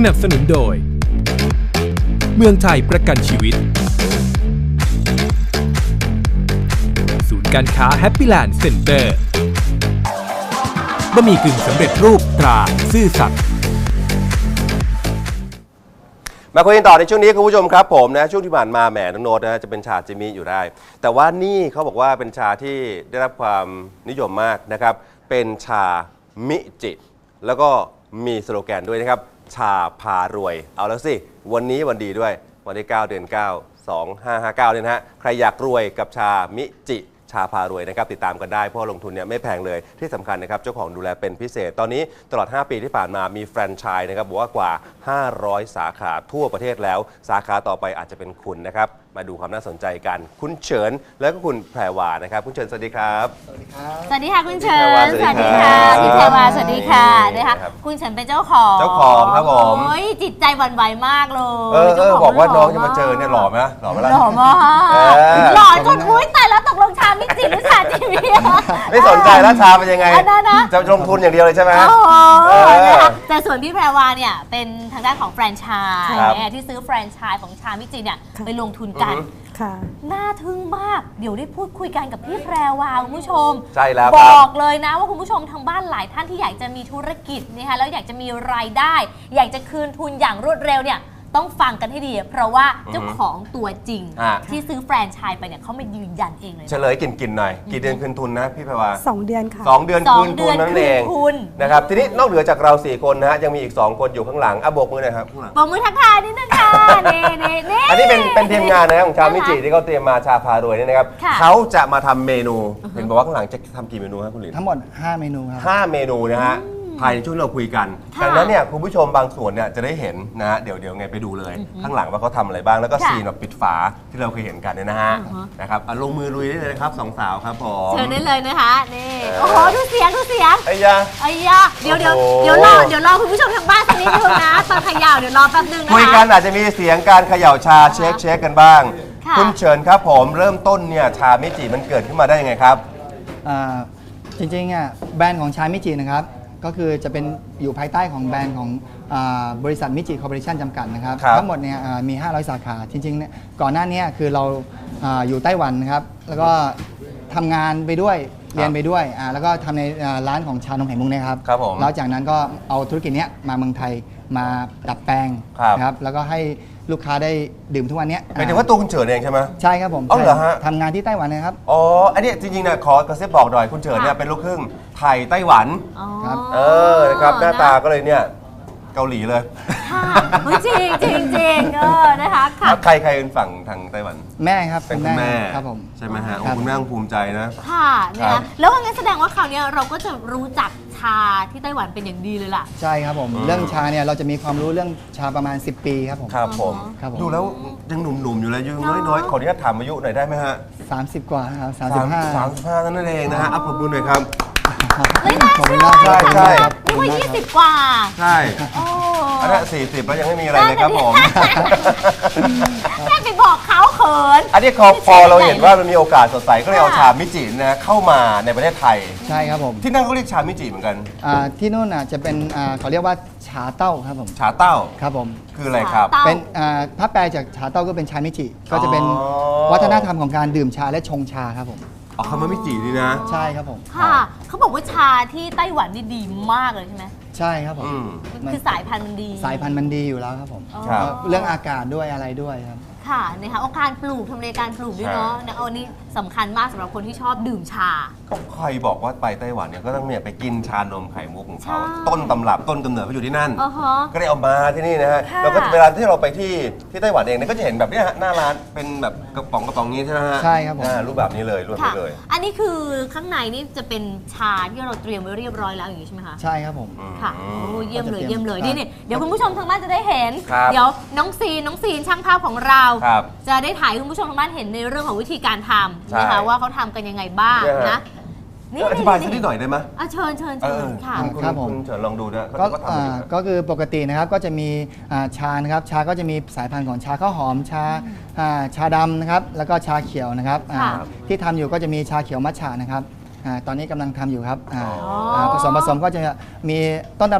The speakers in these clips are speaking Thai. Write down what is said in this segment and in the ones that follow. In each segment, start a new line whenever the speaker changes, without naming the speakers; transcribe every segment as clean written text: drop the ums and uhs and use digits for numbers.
นับสนุนโดยเมืองไทยประกันชีวิตศูนย์การค้าแฮปปี้แลนด์เซ็นเตอร์บะหมี่กึ่งสำเร็จรูปตราซื่อสัตย์
มาคุยกันต่อในช่วงนี้คุณผู้ชมครับผมนะช่วงที่ผ่านมาแหมน้องโน้ตนะจะเป็นชาจิมิอยู่ได้แต่ว่านี่เขาบอกว่าเป็นชาที่ได้รับความนิยมมากนะครับเป็นชามิจิแล้วก็มีสโลแกนด้วยนะครับชาพารวยเอาแล้วสิวันนี้วันดีด้วยวันที่9 เดือน 9 2559เนี่ยนะฮะใครอยากรวยกับชามิจิชาพารวยนะครับติดตามกันได้เพราะลงทุนเนี่ยไม่แพงเลยที่สำคัญนะครับเจ้าของดูแลเป็นพิเศษตอนนี้ตลอด5ปีที่ผ่านมามีแฟรนไชส์นะครับบอกว่ากว่า500 สาขาทั่วประเทศแล้วสาขาต่อไปอาจจะเป็นคุณนะครับมาดูความน่าสนใจกันคุณเฉินแล้วก็คุณแพรวานะครับคุณเฉินสวัสดีครับ
สวัสดีครับ
สวัสดีค่ะคุณเฉิน
สวัสดีค่ะ
พี่แพรวาสวัสดีค่ะนะคะคุณเฉินเป็นเจ้าของ
ครับผม
โอ้ยจิตใจหวั่นไหวมากเลย
บอกว่าน้องจะมาเจอเนี่ยหล่อไหมหล่อไหมล่ะ
หล่อมากหล่อจนอุ้ยตายแล้วตกลงชามิจิหรือชาจิมิ
ไม่สนใจแล้วชาเป็นยังไงจะลงทุนอย่างเดียวเลยใช่ไหม
นะคะแต่ส่วนพี่แพรวาเนี่ยเป็นทางด้านของแฟรนไชส์ที่ซื้อแฟรนไชส์ของชามิจิเนี่ยไปลงทุนกันน่าทึ่งมากเดี๋ยวได้พูดคุยกันกับพี่แพรวาคุณผู้ชม
ใช่แล้ว
บอกเลยนะว่าคุณผู้ชมทางบ้านหลายท่านที่อยากจะมีธุรกิจนะคะแล้วอยากจะมีรายได้ อยากจะคืนทุนอย่างรวดเร็วเนี่ยต้องฟังกันให้ดีเพราะว่าเจ้าของตัวจริงที่ซื้อแฟรนไชส์ไปเนี่ยเขามายืนยันเองเลย
เฉลยกินหน่อยกี่เดือนคืนทุนนะพี่แพรวา
2 เดือนค่ะ
2 เดือนคืนทุนนั่นเองนะครับทีนี้นอกเหนือจากเรา4คนนะฮะยังมีอีก2คนอยู่ข้างหลังโบกมือหน่อยครับข้างหลัง
โบกมือทักทายนิดนึงค่ะนี่
อันนี้เป็นทีมงานนะครับของชามิจิที่เขาเตรียมมาชาพารวยนี่นะครับเขาจะมาทำเมนูเห็นบอกว่าข้างหลังจะทำกี่เมนูครับคุณหลิน
ทั้งหมด5 เมนูครับ
5 เมนูนะฮะภายในช่วงเราคุยกันดังนั้นเนี่ยคุณผู้ชมบางส่วนเนี่ยจะได้เห็นนะฮะเดี๋ยวไงไปดูเลยข้างหลังว่าเขาทำอะไรบ้างแล้วก็ซีนแบบปิดฝาที่เราเคยเห็นกันเนี่ยนะฮะนะครับลงมือลุยได้เลยนะครับ2 สาวครับผม
เชิญได้เลยนะคะนี่โอ้โหดูเสียง
ไอ้ยา
เดี๋ยวรอคุณผู้ชมทางบ้านสักนิดนึงนะตอนเขย่าเดี๋ยวรอแป๊บนึงนะคะ
คุยกันอาจจะมีเสียงการเขย่าชาเช็คกันบ้างคุณเชิญครับผมเริ่มต้นเนี่ยชามิจิมันเกิดขึ้นมาได้ยังไงครับ
จริงๆแบรนด์ของชามิจินะครับก็คือจะเป็นอยู่ภายใต้ของแบรนด์ของบริษัทมิจิคอร์ปอเรชั่นจำกัดนะครับทั้งหมดเนี่ยมี500 สาขาจริงๆเนี่ยก่อนหน้านี้คือเราอยู่ไต้หวันนะครับแล้วก็ทำงานไปด้วยเรียนไปด้วยแล้วก็ทำในร้านของชานมไข่มุกนะครับแล้วจากนั้นก็เอาธุรกิจนี้มาเมืองไทยมาดัดแปลงนะครับแล้วก็ให้ลูกค้าได้ดื่มทุกวันนี้
หมายถึงว่าตัวคุณเฉินเองใช่ไหม
ใช่ครับผม
อ๋อเหรอฮะ
ทำงานที่ไต้หวันนะครับ
อ๋ออันนี้จริงๆนะขอกระซิบบอกหน่อยคุณเฉินเนี่ยเป็นลูกครึ่งไทยไต้หวัน
ครับ
นะครับหน้าตาก็เลยเนี่ยเกาหลีเลย
ค่ะจริงนะคะค่ะ
ใครเป็นฝั่งทางไต้หวัน
แม่ครับ
เป็นคุณแม่
ครับผม
ใช่ไหมฮะคุณแม่ภูมิใจนะ
ค่ะนะแล้วงั้นแสดงว่าคราวนี้เราก็จะรู้จักชาที่ไต้หวันเป็นอย่างดีเลยล่ะ
ใช่ครับผมเรื่องชาเนี่ยเราจะมีความรู้เรื่องชาประมาณ10 ปีครับผม
ครับผมดูแล้วยังหนุ่มๆอยู่เลยยังน้อยๆขออนุญาตถามอายุหน่อยได้ไหมฮะ
30 กว่าครับ
35นั่นเองนะฮะอัปปรุณหน่อยครับ
ไม่น่าเชื่อ
ใช่
นึกว่า20 กว่า
ใช่อันนั้น40แล้วยังไม่มีอะไรเลยครับผม
แค่ไปบอกเขาเขิน
อันนี้พอเราเห็นว่ามันมีโอกาสสดใสก็เลยเอาชามิจินะเข้ามาในประเทศไทย
ใช่ครับผม
ที่นั่นเขาเรียกชามิจิเหมือนกัน
ที่นู่นจะเป็นเขาเรียกว่าชาเต้าครับผม
ชาเต้า
ครับผม
คืออะไรครับ
เป็นถ้าแปลจากชาเต้าก็เป็นชามิจิก็จะเป็นวัฒนธรรมของการดื่มชาและชงชาครับผม
คำว่ามิจินี่นะ
ใช่ครับผม
ค่ะเขาบอกว่าชาที่ไต้หวันนี่ดีมากเลยใช่ไหม
ใช่ครับผม
คือสายพันธุ์มันดี
สายพันธุ์มันดีอยู่แล้วครับผมเรื่องอากาศด้วยอะไรด้วยครับ
ค่ะนะคะการปลูกทำเลการปลูกด้วยเนาะอันนี้สำคัญมากสำหรับคนที่ชอบดื่มชา
ก็ใครบอกว่าไปไต้หวันเนี่ยก็ต้องเนี่ยไปกินชานมไข่มุกของเขาต้นตำรับต้นกำเนิดเขาอยู่ที่นั่นก็ได้เอามาที่นี่นะฮะแล้วก็เวลาที่เราไปที่ไต้หวันเองเนี่ยก็จะเห็นแบบนี้ฮะหน้าร้านเป็นแบบกระป๋องนี้ใช่ไหมฮะ
ใช่ครับผม
รูปแบบนี้เลยรูปนี้เลย
อันนี้คือข้างในนี่จะเป็นชาที่เราเตรียมไว้เรียบร้อยแล้วอย่างนี้ใช่ไหมคะ
ใช่ครับผม
ค่ะเยี่ยมเลยนี่เดี๋ยวคุณผู้ชมทางบ้านจะได้เห็นเดี๋ยวน้องซีนช่างภาพของเราจะได้ถ่ายคุณผู้ชมทางบ้านเห็นในเรื่องของวิธีการทำนะคะว่าเขาทำกันยังไงบ้างนะ
นี่อธิบายสักนิดหน่อยได้ไหม
เชิญค่ะ
ครับผมเชิญลองดูนะ
ก็คือปกตินะครับก็จะมีชานะครับชาก็จะมีสายพันธุ์ของชาข้าวหอมชาดำนะครับแล้วก็ชาเขียวนะครับที่ทำอยู่ก็จะมีชาเขียวมัทฉะนะครับตอนนี้กำลังทำอยู่ครับผสมก็จะมีต้นตำรับ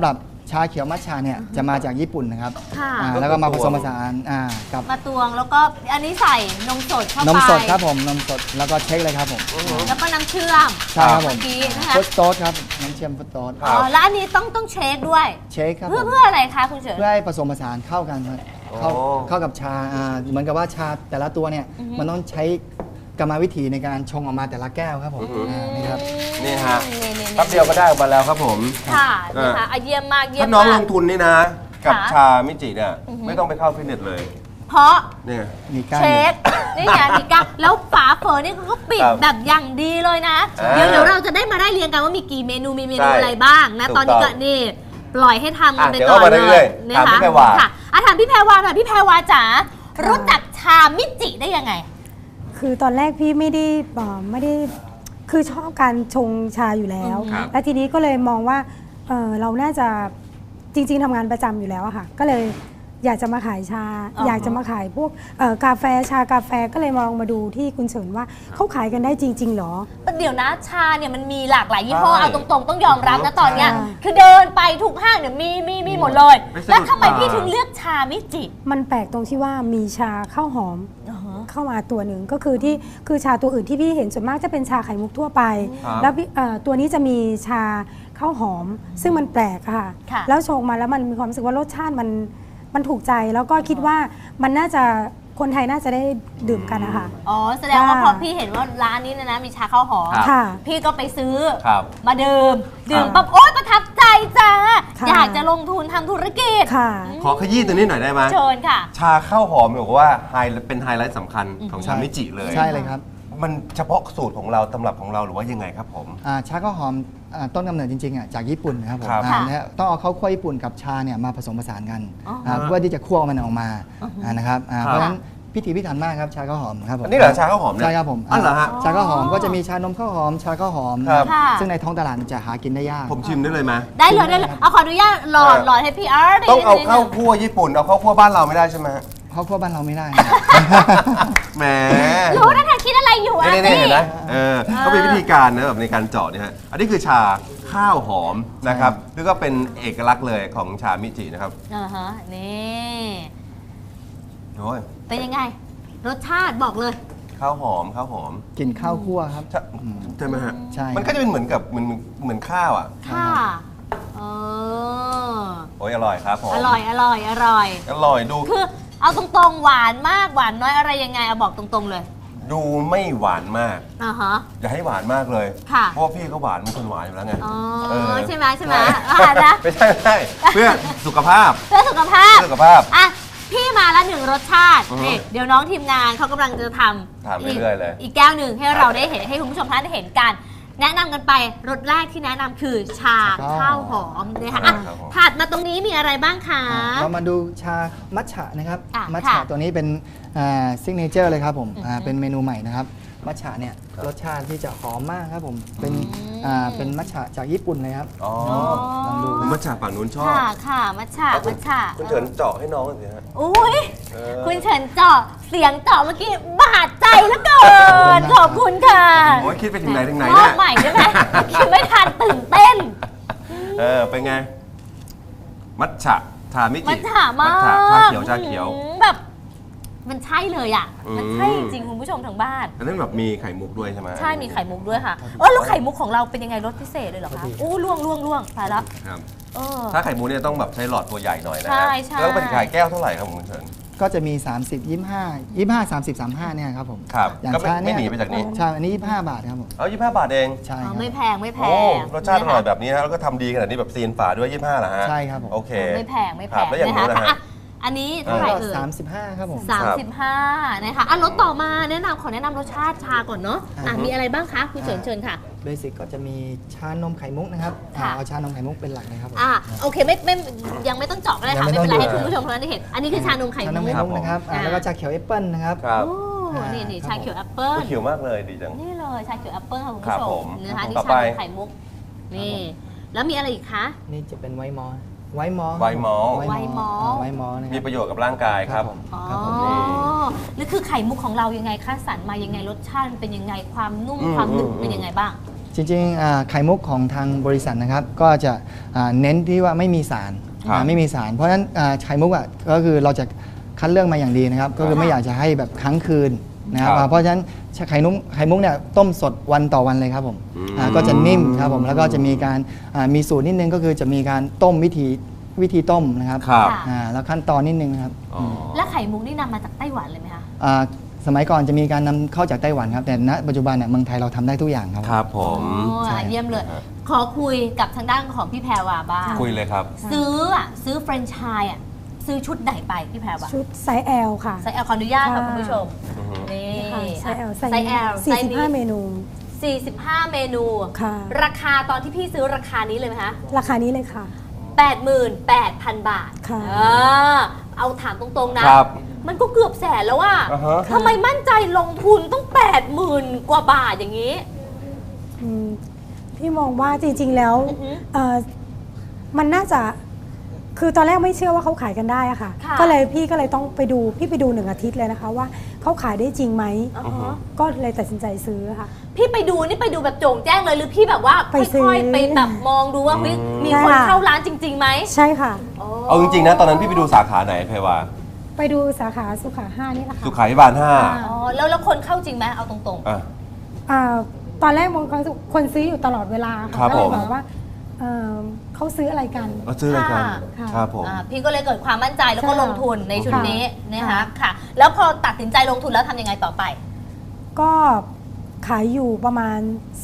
ชาเขียวมัทฉะเนี่ยจะมาจากญี่ปุ่นนะครับ
ค่ะ
แล้วก็มาผสมผสานกับ
มาตวงแล้วก็อันนี้ใส่นมสดเข้าไป
นมสดครับผมนมสดแล้วก็เช็คเลยครับผม
แล้วก็น้ำเชื่อม
ใช่ครับผม
เมื่อกี้นะคะ
ฟุตโต๊ดครับน้ำเชื่อมฟุตโต๊ด
ครั
อ๋
บ
อแล้วอันนี้ต้องเช็คด้วย
เช็คครับผม
เพื่ออะไรคะคุณเฉิน
เพื่อให้ผสมผสานเข้ากันครับเข้ากับชาเหมือนกับว่าชาแต่ละตัวเนี่ยมันต้องใช้กรรมวิธีในการชงออกมาแต่ละแก้วครับผมนี่ครับ
นี่ฮะ
นี่ๆๆ
แป๊บเดียวก็ได้ออกมาแล้วครับผม
ค่ะนะคะเยี่ยมมากเยี่ย
ถ้าม น้อง
มา
ล
ก
งทุนนี่นะ กับ
ค่ะ
ชามิจิเนี่ยไม่ต้องไปเข้าฟิตเนสเลย
เพราะ
เนี่ย
มีก้าน
เช็คนี่ไงมีก้าแล้วฝาเฝอนี่เขาก็ปิด
ครับ
แบบอย่างดีเลยนะ
อ่า
เดี๋ยวเราจะได้มาได้เรียงกันว่ามีกี่เมนูมีเมนู
ใช่
อะไรบ้างนะ
ถูก
ตอนนี้
ต้
ก็
อง
นี่ปล่อยให้ทำกันไป
เดี๋ยว
ก่อน
เอามา
เล
เรื่อย
ย
ๆ
นะ
ถาม
คะ
พี่แพรวา
ค่ะถามพี่แพรวาหน่อยพี่แพรวาจ๋ารู้จักชามิจิได้ยังไง
คือตอนแรกพี่ไม่ได้คือชอบการชงชาอยู่แล้ว
ครับ
แล้วทีนี้ก็เลยมองว่าเราน่าจะจริง ๆทำงานประจำอยู่แล้วอะค่ะ ก็เลยอยากจะมาขายชา
อ๋ออ
อยากจะมาขายพวกกาแฟชากาแฟก็เลยมองมาดูที่คุณเฉินว่าเขาขายกันได้จริง ๆ หรอ
เดี๋ยวนะชาเนี่ยมันมีหลากหลายยี่ห้อ
ใช่
เอาตรงๆต้องยอมรับนะตอนเนี้ย
ใช่
คือเดินไปทุกห้างเนี่ยมีหมดเลย
ไม่สะดุด
แล้วทำไม
ตา
พี่ถึงเลือกชามิจิ
มันแปลกตรงที่ว่ามีชาข้าวหอมเข้ามาตัวหนึ่งก็คือคือชาตัวอื่นที่พี่เห็นส่วนมากจะเป็นชาไข่มุกทั่วไป
ครับ
แล้วตัวนี้จะมีชาข้าวหอม ซึ่งมันแปลกอะค่ะ
ค่ะ
แล้วชงมาแล้วมันมีความรู้สึกว่ารสชาติมันถูกใจแล้วก็คิดว่ามันน่าจะคนไทยน่าจะได้ดื่มกันนะคะ
อ๋อแสดงว่า
ค่ะ
พอพี่เห็นว่าร้านนี้เนยนะมีชาข้าวหอม
ครับ
ค่ะ
พี่ก็ไปซื้อ
ครับ
มาดื่ม
ครับ
ปั๊บโอ๊ยประทับใจจ้า
ค่ะ
อยากจะลงทุนทำธุรกิจ
ค่ะ
ขอขยี้ตัวนี้หน่อยได้ไหม
เชิญค่ะ
ชาข้าวหอมบอกว่าเป็นไฮไลท์สำคัญของชามิจิเลย
ใช่เลยครับ
มันเฉพาะสูตรของเราตำรับของเราหรือว่ายังไงครับผม
ชาข้าวหอมต้นกำเนิดจริงๆจากญี่ปุ่นนะครับผม
ครับ
เนี่ยต้องเอาข้าวคั่วญี่ปุ่นกับชาเนี่ยมาผสมผสานกัน
อ๋อ
เพื่อที่จะคั่วมันออกมานะครับเพราะฉะนั้นพิถีพิถันมากครับชาข้าวหอมครับผม
อันนี้เหรอชาข้าวหอมเนี่ย
ใช่ครับผม
อ๋อเหรอฮะ
ชาข้าวหอมก็จะมีชานมข้าวหอม ชาข้าวหอม
ครับ
ค่ะ
ซึ่งในท้องตลาดจะหากินได้ยาก
ผมชิมได้เลยไหม
ได้เลยเอาขออนุญาตหลอดให้พี่อาร์ต
ต้องเอาข้าวคั่วญี่ปุ่นเอาข้าวคั่วบ้านเราไม่ได้ใช่ไหมฮะ
ข้าวคั่วบ้านเราไม่ได้
แหม
รู้นะเธอคิดอะไรอยู่อาร์
นี่
ตี้
เห็นไหมเขาเป็นวิธีการนะแบบในการเจาะเนี่ยฮะอันนี้คือชาข้าวหอมนะครับแล้วก็เป็นเอกลักษณ์เลยของชามิจินะครับ
นี่
โอ้ย
เป็นยังไง รสชาติบอกเลย
ข้าวหอมข้าวหอม
กลิ่นข้าวคั่วครับ
ใช่ไหมฮะ
ใช่
มันก็จะเป็นเหมือนกับเหมือนข้าวอ่ะ
ค่ะเออ
โอ้ยอร่อยครับผม
อร่อย
อร่อยดู
คือเอาตรงๆหวานมากหวานน้อยอะไรยังไงเอาบอกตรงๆเลย
ดูไม่หวานมาก
อย่
าให้หวานมากเลย
ค่ะ
เพราะว่าพี่เขาหวานเป็นคนหวานอยู่แล้วไง
อ๋อ
เออ
ใช่ไหม
ใช่
นะ
ไม่ใช่เพื่อสุขภาพ
เพื่อสุขภาพ
เพื่อสุขภาพ
อ่ะพี่มาละหนึ่งรสชาติ
อือฮึ
นี่เดี๋ยวน้องทีมงานเขากำลังจะท
ทำเรื่อยๆเลย
อีกแก้วหนึ่งให้เราได้เห็นให้คุณผู้ชมท่านได้เห็นกัน แนะนำกันไปรสแรกที่แนะนำคือชาข้าวหอมนะคะอ่ะ
ครับผม
ถัดมาตรงนี้มีอะไรบ้างคะ
เรามาดูชามัทฉะนะครับ
อ่ะ
มัท
ค่ะ
ฉะตัวนี้เป็นซิกเนเจอร์เลยครับผมเป็นเมนูใหม่นะครับมัทฉะเนี่ยรสชาติที่จะหอมมากครับผมเป็นมัทฉะจากญี่ปุ่นเลยครับ
อ๋อ
ลองดู
ผมมาจากฝั่งนู้นชอบ
ค่ะมัทฉะ
คุณเฉินเจาะให้น้องหน่อยสิฮะ
อุ้ย
เออ
คุณเฉินเจาะเสียงเจาะเมื่อกี้บาดใจเหลือเกินขอบคุณค่ะ
โอ้ยคิดไปถึงไหนถึงไหน
รอ
เนี่
บ
ย
ใหม่ได้ไหมคิดไม่ทันตื่นเต้น
เป็นไง มัทฉะชามิจิ
มัทฉะมาก
ชาเขียว
แบบมันใช่เลยอ่ะ
อืม
มันใช่จริงๆคุณผู้ชมทางบ้าน
อันนั้นแบบมีไข่มุกด้วยใช่ไหม
ใช่มีไข่มุกด้วยค่ะแล้วไข่มุกของเราเป็นยังไงรสพิเศษเลยเหรอคะโอ้ล่วงตายแล้ว
ครับ
เออ
ถ้าไข่มุกเนี่ยต้องแบบใช้หลอดตัวใหญ่หน่อยนะ
ใช่
ฮะ
ใช่
แล้วเป็นขายแก้วเท่าไหร่ครับคุณเฉิน
ก็จะมี 30 25 30 35เนี่ยครับผม
ครับ
อย่าง
ก็ไม่
ชา
ไม่
เนี่ย
หนีไปจากนี้
ใช่อันนี้25 บาทครับผม
เอา25 บาทเอง
ใช่
อ๋อ
ครับ
ไม่แพงไม่แพ
โอ้
ง
รสชาติอร่อย
นะคะ
แบบนี้นะแล้วก็ทำดีขนาดนี้แบบซีนฝาด้วย25เหรอฮะ
ใช่ครับผม
โอเค
ไม่แพง
ครับแล้วอย่างนู้นนะฮะ
อ่ะอันนี้เท่าไหร่เอ่ย
35 ครับผม
35นะคะอ่ะรสต่อมาขอแนะนำรสชาติชาก่อนเนาะมีอะไรบ้างคะคุณเชิญค่ะ
เบสิกก็จะมีชานมไข่มุกนะครับ
ค่ะ
เอาชานมไข่มุกเป็นหลักเลยครับผม
โอเคไม่ยังไม่ต้องเจาะก็ได้ค่ะ
ยังไม่
ไม่เป็นไร
ต้อง
ให้คุณผู้ชมท่านได้เห็น อันนี้คือชานมไข่
ชานม
มุ
ไข่
ก
มุกนะครับ
อ่า
แล้วก็ชาเขียวแอปเปิ้ลนะครับ
ครับ
โอ้นี่ชาเขียวแอปเปิ้ล
เขียวมากเลยดีจัง
นี่เลยชาเขียวแอปเปิ้ลค่ะคุณ
ครั
ผู้
บ
ช
ผม ม
นะคะนี่
ต่อ
ชา
ไป
นมไข่มุกนี่แล้วมีอะไรอีกคะ
นี่จะเป็นไวท์มอลไวท์มอล
ไวท์มอล
ไวท์มอลนะค
มี
รับ
ประโยชน์กับร่างกายครับ
อ๋อ
ครับผม
นี่คือไข่มุกของเรายังไงคะสรรมายังไงรสชาติมันเป็นยังไงความนุ่มความหนึบเป็นยังไงบ้าง
จริงๆไข่มุกของทางบริษัทนะครับก็จะเน้นที่ว่าไม่มีสาร
ครับ
ไม่มีสารเพราะฉะนั้นไข่มุกก็คือเราจะคัดเลือกมาอย่างดีนะครับก็คือไม่อยากจะให้แบบค้างคืนนะครับ
ครับ
เพราะฉะนั้นไข่มุกเนี่ยต้มสดวันต่อวันเลยครับผมก็จะนิ่มครับผมแล้วก็จะมีการมีสูตรนิดนึงก็คือจะมีการต้มวิธีต้มนะครับ
ครับ
แล้วขั้นตอนนิดนึงนะครับ
อ๋อ
แล้วไข่มุกนี่นำมาจากไต้หวันเลยไหมคะ
สมัยก่อนจะมีการนำเข้าจากไต้หวันครับแต่ณปัจจุบันเนี่ยเมืองไทยเราทำได้ทุกอย่างครับ
ครับผม
โอ้เยี่ยมเลย ขอคุยกับทางด้านของพี่แพรวาบ้าง
คุยเลยครับ
ซื้อแฟรนไชส์ซื้อชุดไหนไปพี่แพรวา
ชุดไซส์ L ค่ะ
ไซส์ L ขออนุญาตค่ะ
ค่ะ
คุณผู้ชมนี่
ค่ะไซส์ L
ไซส์ L ไซส์นี้
45 เมนู
45 เมนู
ค่ะ
ราคาตอนที่พี่ซื้อราคานี้เลยไหมคะ
ราคานี้เลยค่ะ
88,000 บาท
ค่ะ
เอาถามตรงๆนะ มันก็เกือบแสนแล้วว่า
อ่าฮะ
ทำไมมั่นใจลงทุนต้อง 80,000 กว่าบาทอย่างนี้
อืมพี่มองว่าจริงๆแล้ว
อือฮึ
มันน่าจะคือตอนแรกไม่เชื่อว่าเขาขายกันได้อะค่ะ
ค่ะ
ก็เลยต้องไปดูพี่ไปดู1 อาทิตย์เลยนะคะว่าเขาขายได้จริงไหม
อ่าฮะ
ก็เลยตัดสินใจซื้อค่ะ
พี่ไปดูนี่ไปดูแบบโจ่งแจ้งเลยหรือพี่แบบว่า
ไปซื้อ
ค่อยๆไปแบบมองดูว่าเฮ้ยมีคน
ใช่ค่ะ
เข้าร้านจริงๆไหม
ใช่ค่ะ
เอาจริงๆนะตอนนั้นพี่ไปดูสาขาไหนเพวา
ไปดูสาขาสุขา5นี่แหละค่ะ
สุขาภิบาล
อ่า
อ๋อแล้วคนเข้าจริงไหมเอาตรง
5อ่ะ
ตอนแรกมองคนซื้ออยู่ตลอดเวลา
ครั
ค่ะ
บ
ก็เลย
ผม
บอกว่าเขาซื้ออะไรกัน
เอาซื้ออะไรกัน
ค่ะ
ครับผม
พี่ก็เลยเกิดความมั่นใจแล้วก็
ใช่
ลงทุนในชุดนี้นะคะ
ค่ะ
ค่ะ แล้วพอตัดสินใจลงทุนแล้วทำยังไงต่อไป
ก็ขายอยู่ประมาณ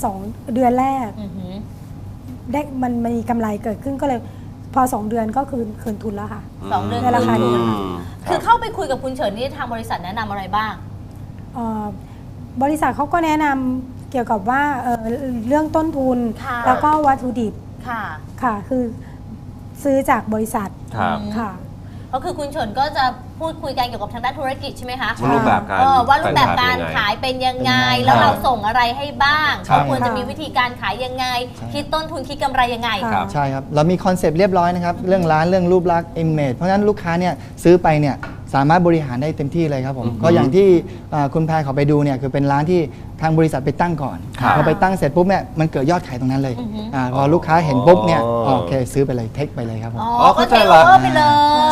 2 เดือนแรก
อือหือ
ได้มันมีกำไรเกิดขึ้นก็เลยพอ 2 เดือนก็คืนทุนแล้วค่ะ
สองเดือน
ในราคานี้
คือเข้าไปคุยกับคุณเฉินนี่ทางบริษัทแนะนำอะไรบ้าง
บริษัทเขาก็แนะนำเกี่ยวกับว่าเรื่องต้นทุน
ค่ะ
แล้วก็วัตถุดิบ
ค่ะ
ค่ะ คือซื้อจากบริษัท
ครับ
ค่ะ
ก็คือคุณเฉินก็จะพูดคุยกันเกี่ยวกับทางด้านธุรกิจใช่ไหมคะ
ว่ารูปแบบการ
ว่ารูปแบบการขายเป็นยังไง
เป็นยังไง
แล้วเราส่งอะไรให้บ้าง
ครับ
เราควรจะมีวิธีการขายยังไง
ใช่
คิดต้นทุนคิดกำไรยังไง
ครับ
ใช่ครับ เรามีคอนเซปต์เรียบร้อยนะครับ เรื่องร้านเรื่องรูปลักษณ์ image เพราะฉะนั้นลูกค้าเนี่ยซื้อไปเนี่ยสามารถบริหารได้เต็มที่เลยครับผม ก็อย่างที่คุณแพรเขาไปดูเนี่ยคือเป็นร้านที่ทางบริษัทไปตั้งก่อน
ครับ
พอไปตั้งเสร็จปุ๊บเนี่ยมันเกิดยอดขายตรงนั้นเลย
อือฮึ
พอลูกค้าเห็นปุ๊บเนี่ย
อ๋อ
โอเคซื้อไปเลยเทคไปเลยครับผม
อ๋อก็
เข้า
เท
ใจ
ค
ละ
โอเวอร์ไปเลย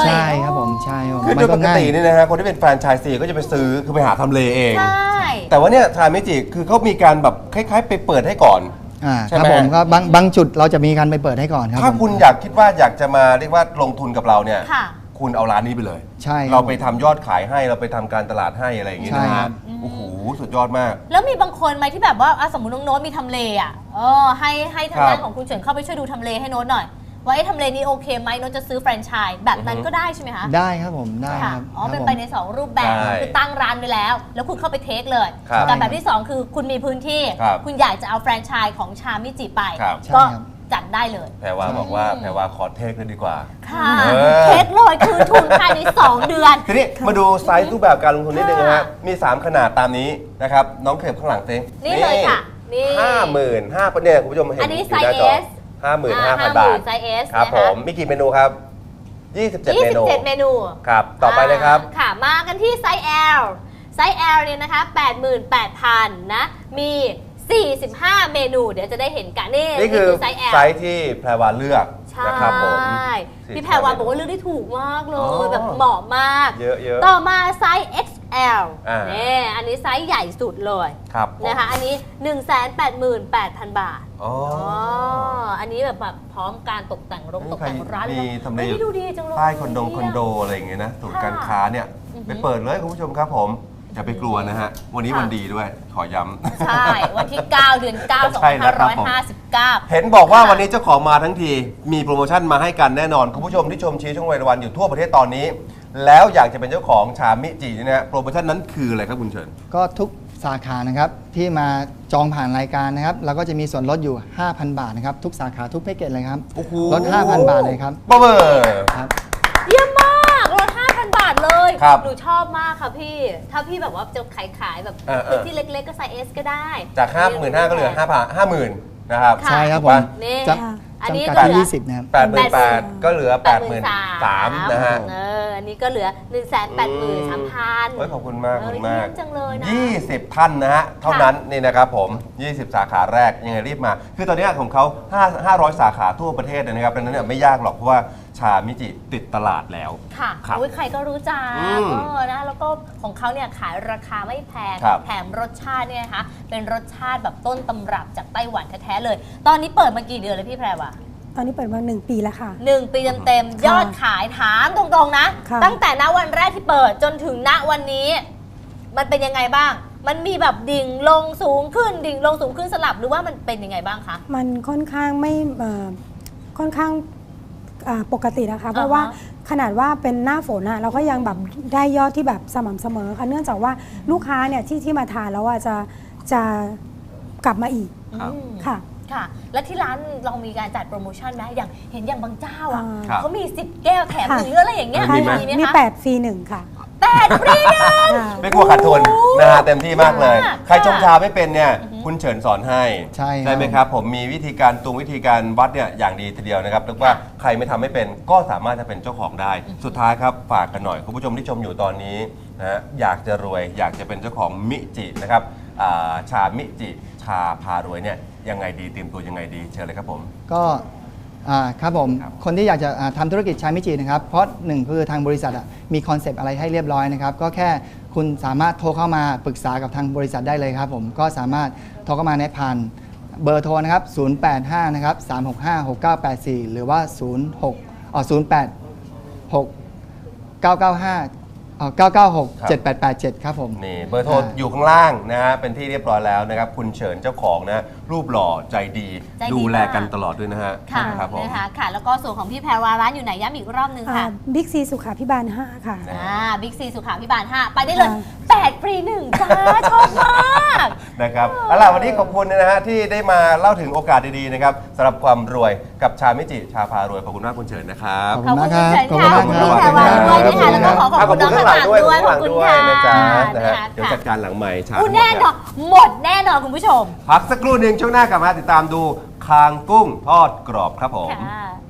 ใช่ครับผมใช่ครับผม
คือโดยปกตินี่นะฮะคนที่เป็นแฟรนไชส์ซีก็จะไปซื้อคือไปหาทำเลเอง
ใช่
แต่ว่าเนี่ยชาเมจิคือเขามีการแบบคล้ายๆ ไปเปิดให้ก่อน ใช่
ครับ
ไหม
ผมก็บางจุดเราจะมีการไปเปิดให้ก่อนครับ
ถ้า
ผม
คุณอยากคิดว่าอยากจะมาเรียกว่าลงทุนกับเราเนี่ย
ค่ะ
คุณเอาร้านนี้ไปเลย
ใช่ครับ
เราไปทำยอดขายให้เราไปทำการตลาดให้อะไรอย่างงี้
ใช่
นะ
ครั
ฮะ
บ
โอ้โหสุดยอดมาก
แล้วมีบางคนไหมที่แบบว่าสมมติน้องโน้ตมีทำเลให้ทางด้าน
ครับ
ของคุณเฉินเข้าไปช่วยดูทำเลให้โน้ตหน่อย ว่าทำเลนี้โอเคไหมโน้ตจะซื้อแฟรนไชส์แบบนั้นก็ได้ใช่ไหมคะ
ได้ครับผมได้
ค่ะ
ครับ
อ๋อ
ครับ
เป็น
ผม
ไปใน 2 รูปแบบ
ใช่
คือตั้งร้านไปแล้ว แล้วคุณเข้าไปเทคเลย
ครับ
กับแบบที่ 2 คือคุณมีพื้นที่
ครับ
คุณอยากจะเอาแฟรนไชส์ของชามิจิไป
ครับ
ก็
ใช่ครับ
จัดได้เลย
แพรวาบอกว่าแพรวาขอเทคเลยดีกว่า
ค่ะ
เออ
เทคเลยคืนทุนภายใน 2 เดือน
ทีนี้มาดูไซส์รูปแบบการลงทุนนิดนึงนะฮะ
ค่ะ
มี 3 ขนาดตามนี้นะครับ น้องเข็บข้างหลังเต้
นี่เลยค่ะนี่
55,000เนี่ยคุณผู้ชมเห็น
อันนี้
อยู่หน้าจอ
ไซส์ S
55,000 บาท
ไซส์ S
ครับ
นะ
ผ
คะ
มมีกี่เมนูครับ 27 เมนู
27 เมนู
ครับ ต่อไปเลยครับ
ค่ะ มากันที่ไซส์ L ไซส์ L เนี่ยนะคะ 88,000 นะ มี 45 เมนู เดี๋ยวจะได้เห็นกันนี่
นี่คือ
ไซส์ L
ไซส์ที่แพรวาเลือก
ใช่
นะครับผม
พี่แพรวาบอกว่าเลือกได้ถูกมากเล
อ๋
ย
อ
แบบเหมาะมาก
เยอะๆ
ต่อมาไซส์ XL
อ่า
เนี่ยอันนี้ไซส์ใหญ่สุดเลย
ครับผม
นะคะ อันนี้ 188,000 บาท
อ๋อ
อันนี้แบบพร้อมการตกแต่งตกแต่งร้าน
มีทำเล
ฮ้ยดูดีจังเลย
ใต้คอนโดอะไรอย่างเงี้ยนะศูนย์การค้าเนี่ย
อือฮึ
ไปเปิดเลยคุณผู้ชมครับผมอย่าไปกลัวนะฮะ วันนี้
ค่ะ
วันดีด้วย ขอย้ำ
ใช่ วันที่ 9 เดือน 9
ใช่แล้วครับผม
2559
เห็นบอกว่าวันนี้เจ้าของมาทั้งที มีโปรโมชั่นมาให้กันแน่นอน คุณผู้ชมที่ชมชี้ช่องวัยวันอยู่ทั่วประเทศตอนนี้ แล้วอยากจะเป็นเจ้าของชามิจิเนี่ยนะฮะโปรโมชั่นนั้นคืออะไรครับคุณเฉิน
ก็ทุกสาขานะครับที่มาจองผ่านรายการนะครับเราก็จะมีส่วนลดอยู่ 5,000 บาทนะครับทุกสาขาทุกแพ็กเกจเลยครับ
โอ้โห
ลด 5,000 บาทเลยครับ
บ๊อบเบอร์
ครับ
เยี่ยมมากลด 5,000 บาทเลย
ครับ
หนูชอบมากค่ะพี่ ถ้าพี่แบบว่าจะขายแบบ
เออ
พื้นที่เล็กๆก็ไซส์ S ก็ได้
จาก 55,000ก็เหลือ 50,000 นะครับ
ค่ะ
ใช่ครับผม
นี่
จะ
อันนี้
จำกัด
เหลือ
ที่20นะครับ
88,000ก็เหลือ 83,000นะฮะ
เออนี่ก็เหลือ 183,000
โอ้ยขอบคุณมากขอบคุณมาก
เยี่ยมจังเลยนะ
20 ท่านนะฮะ เท่านั้นนี่นะครับผม 20 สาขาแรกยังไงรีบมา คือตอนนี้ของเขา500 สาขาทั่วประเทศเลยนะครับดังนั้นเนี่ยไม่ยากหรอกเพราะว่าชามิจิติดตลาดแล้ว
ค่ะ
ครับ
โอ้ยใครก็รู้จัก
อืม
นะแล้วก็ของเขาเนี่ยขายราคาไม่แพง
ครับ
แถมรสชาติเนี่ยนะคะเป็นรสชาติแบบต้นตำรับจากไต้หวันแท้ๆเลย ตอนนี้เปิดมากี่เดือนเลยพี่แพรวะ
ตอนนี้เปิดมา1 ปีแล้วค่ะ
1 ปีเต็มๆยอดขายถามตรงๆนะ
ค่ะ
ตั้งแต่ณวันแรกที่เปิดจนถึงณวันนี้ มันเป็นยังไงบ้าง มันมีแบบดิ่งลงสูงขึ้นดิ่งลงสูงขึ้นสลับหรือว่ามันเป็นยังไงบ้างคะ
มันค่อนข้างไม่ค่อนข้างปกตินะคะ เพราะว่าขนาดว่าเป็นหน้าฝนเราก็ยังแบบได้ยอดที่แบบสม่ำเสมอค่ะเนื่องจากว่าลูกค้าเนี่ยที่มาทานแล้วจะกลับมาอีก
ครับ
ค่ะ
ค่ะ แล้วที่ร้านเรามีการจัดโปรโมชั่นไหมอย่างเห็นอย่างบางเจ้าอ่ะ
ครับ
เขามี10 แก้วแถมหรืออะไรอย่างเงี้ย
มีไหม
มี
คะ
8 ฟรี 1 ค่ะ
8 ฟรีหนึ่ง
ค่ะ
ไม่กลัวขาดทุนนะฮะเต็มที่มากเลย
ค่ะ
ใครชงชาไม่เป็นเนี่ยคุณเฉินสอนให้
ใช่ครับ
ไหมครับ ผมมีวิธีการวิธีการวัดเนี่ยอย่างดีทีเดียวนะครับเรียกว่าใครไม่ทำไม่เป็นก็สามารถจะเป็นเจ้าของได้ สุดท้ายครับฝากกันหน่อยคุณผู้ชมที่ชมอยู่ตอนนี้นะฮะอยากจะรวยอยากจะเป็นเจ้าของมิจินะครับชามิจิชาพารวยเนี่ยยังไงดีเตรียมตัวยังไงดีเชิญเลยครับผม
ก็ครับผม
ครับ
คนที่อยากจะทำธุรกิจชามิจินะครับเพราะหนึ่งคือทางบริษัทมีคอนเซปต์อะไรให้เรียบร้อยนะครับก็แค่คุณสามารถโทรเข้ามาปรึกษากับทางบริษัทได้เลยครับผมก็สามารถโทรเข้ามาในผ่านเบอร์โทรนะครับ085นะครับ365 6984 หรือว่า 996 7887 ครับผม
นี่เบอร์โทรอยู่ข้างล่างนะฮะเป็นที่เรียบร้อยแล้วนะครับคุณเฉินเจ้าของนะรูปหล่อใจดี
ใจดี
ดูแลกัน
มาก
ตลอดด้วยนะฮะ
ค่ะ
ครับผม
นะคะค่ะ แล้วก็ส่วนของพี่แพรวาร้านอยู่ไหนย้ำอีกรอบนึงค่ะ
บิ๊กซีสุขาพิบาล 5 ค่ะ
บิ๊กซีสุขาพิบาล 5 ไปได้เลย
ค่ะ
8 ฟรี 1 จ้า ชอบมาก
นะครับเอาล่ะวันนี้ขอบคุณนะฮะที่ได้มาเล่าถึงโอกาสดีๆนะครับสำหรับความรวยกับชามิจิชาพารวยขอบคุณมากคุณเฉินนะครับ
ขอบ
ขอบ
คุ
คุณ
ณ
คุณ
มาก
เฉิน
ครับ
ค่ะขอบคุณพี่แพรวาด้วยนะคะ
ขอบคุณมาก
แล้วก็ขอขอบคุณน้องข้างหลังด้วยขอบคุณค่ะ
นะจ๊ะนะฮะ
นะคะ
เดี๋ยวจัดการหลังใหม่ชา
แน่นอนหมดแน่นอนคุณผู้ชม
พักสักครู่หนึ่งช่วงหน้ากลับมาติดตามดูคางกุ้งทอดกรอบครับผม
ค่ะ